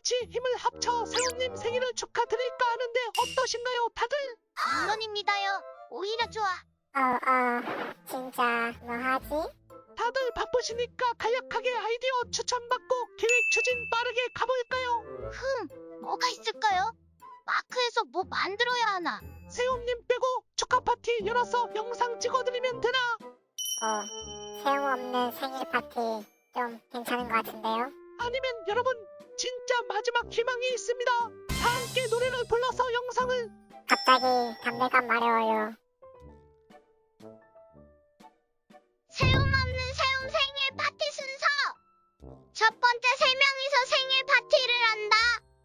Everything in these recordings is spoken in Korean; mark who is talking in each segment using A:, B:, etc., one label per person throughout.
A: 같이 힘을 합쳐 세훈님 생일을 축하드릴까 하는데 어떠신가요, 다들?
B: 물론입니다요. 오히려 좋아.
C: 진짜 뭐 하지?
A: 다들 바쁘시니까 간략하게 아이디어 추천받고 계획 추진 빠르게 가볼까요?
B: 뭐가 있을까요? 마크에서 뭐 만들어야 하나?
A: 세훈님 빼고 축하 파티 열어서 영상 찍어드리면 되나?
C: 소용없는 생일 파티 좀 괜찮은 것 같은데요?
A: 아니면 여러분 진짜 마지막 희망이 있습니다. 다 함께 노래를 불러서 영상을
C: 갑자기 담배감 마려워요.
B: 세움 없는 세움 생일 파티 순서. 첫 번째 3명이서 생일 파티를 한다.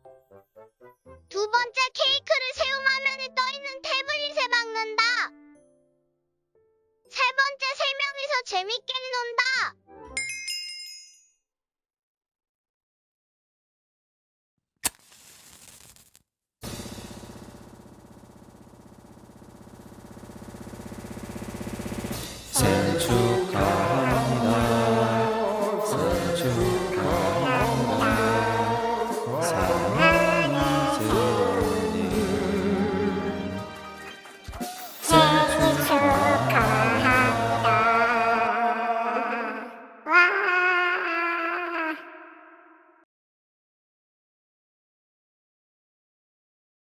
B: 두 번째 케이크를 세움 화면에 떠있는 태블릿에 박는다. 세 번째 3명이서 재밌게 논다.
D: 생일